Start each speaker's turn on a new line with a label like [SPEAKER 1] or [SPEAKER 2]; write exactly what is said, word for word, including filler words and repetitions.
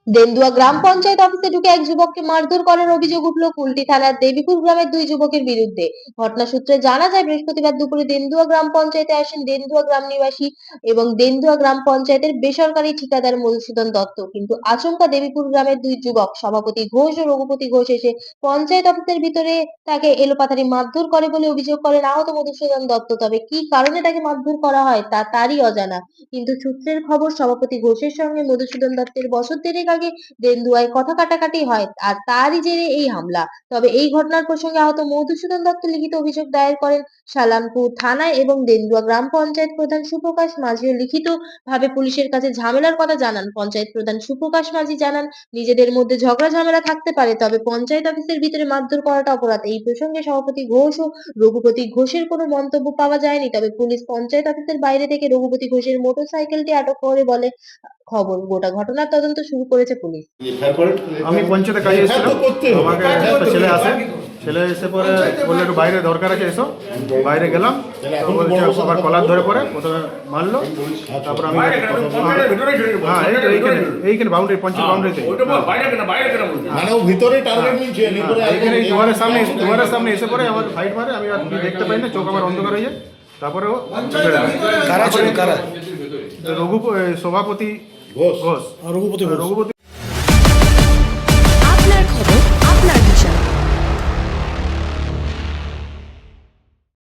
[SPEAKER 1] দেন্দুয়া গ্রাম পঞ্চায়েত অফিসে ঢুকে এক যুবককে মারধর করার অভিযোগ উঠল কুলটি থানার দেবীপুর গ্রামের দুই যুবকের বিরুদ্ধে। ঘটনা সূত্রে জানা যায়, বৃহস্পতিবার দুপুরে দেন্দুয়া গ্রাম পঞ্চায়েতে আসেন দেন্দুয়া গ্রাম নিবাসী এবং দেন্দুয়া গ্রাম পঞ্চায়েতের বেসরকারি ঠিকাদার মধুসূদন দত্ত। কিন্তু আচমকা দেবীপুর গ্রামের দুই যুবক সভাপতি ঘোষ ও রঘুপতি ঘোষ এসে পঞ্চায়েত অফিসের ভিতরে তাকে এলোপাথারি মারধর করে বলে অভিযোগ করেন আহত মধুসূদন দত্ত। তবে কি কারণে তাকে মারধর করা হয় তা তারই অজানা। কিন্তু সূত্রের খবর, সভাপতি ঘোষের সঙ্গে মধুসূদন দত্তের বছর দেড়েক আগে দেন্দুয়ায় কথা কাটাকাটি হয় আর তারই জেরে এই হামলা। তবে এই ঘটনার প্রসঙ্গে আহত মধুসূদন দত্ত লিখিত অভিযোগ দায়ের করেন সালামপুর থানায় এবং দেন্দুয়া গ্রাম পঞ্চায়েত প্রধান সুপ্রকাশ মাঝিও লিখিত ভাবে পুলিশের কাছে ঝামেলার কথা জানান। পঞ্চায়েত প্রধান সুপ্রকাশ মাঝি জানান, নিজেদের মধ্যে ঝগড়া ঝামেলা থাকতে পারে, তবে পঞ্চায়েত অফিসের ভিতরে মারধর করাটা অপরাধ। এই প্রসঙ্গে সভাপতি ঘোষ ও রঘুপতি ঘোষের কোনো মন্তব্য পাওয়া যায়নি। তবে পুলিশ পঞ্চায়েত অফিসের বাইরে থেকে রঘুপতি ঘোষের মোটরসাইকেলটি আটক করে বলে খবর। গোটা ঘটনার তদন্ত শুরু করেছে পুলিশ।
[SPEAKER 2] আমি পঞ্চায়েতে কাজে এসেছিলাম, আমাকে একটা ছেলে আসে, ছেলে এসে পরে বললো একটু বাইরে দরকার আছে এসো। বাইরে গেলাম, তো বলছে আবার কলার ধরে পরে প্রথমে মারলো, তারপর আমি হ্যাঁ এই তো এইখানে এইখানে বাউন্ডারি পঞ্চায়েত বাউন্ডারিতে
[SPEAKER 3] মানে ও ভিতরে টার্গেট নিচ্ছে
[SPEAKER 2] এইখানে এই দুয়ারের সামনে দুয়ারের সামনে এসে পরে আমার ফাইট মারে, আমি আর কি দেখতে পাই না, চোখ আমার অন্ধকার হয়ে যায়। তারপরে ও
[SPEAKER 4] কারা ছিল কারা?
[SPEAKER 2] রঘু সভাপতি
[SPEAKER 3] ঘোষ
[SPEAKER 2] ঘোষ
[SPEAKER 4] রঘুপতি
[SPEAKER 2] রঘুপতি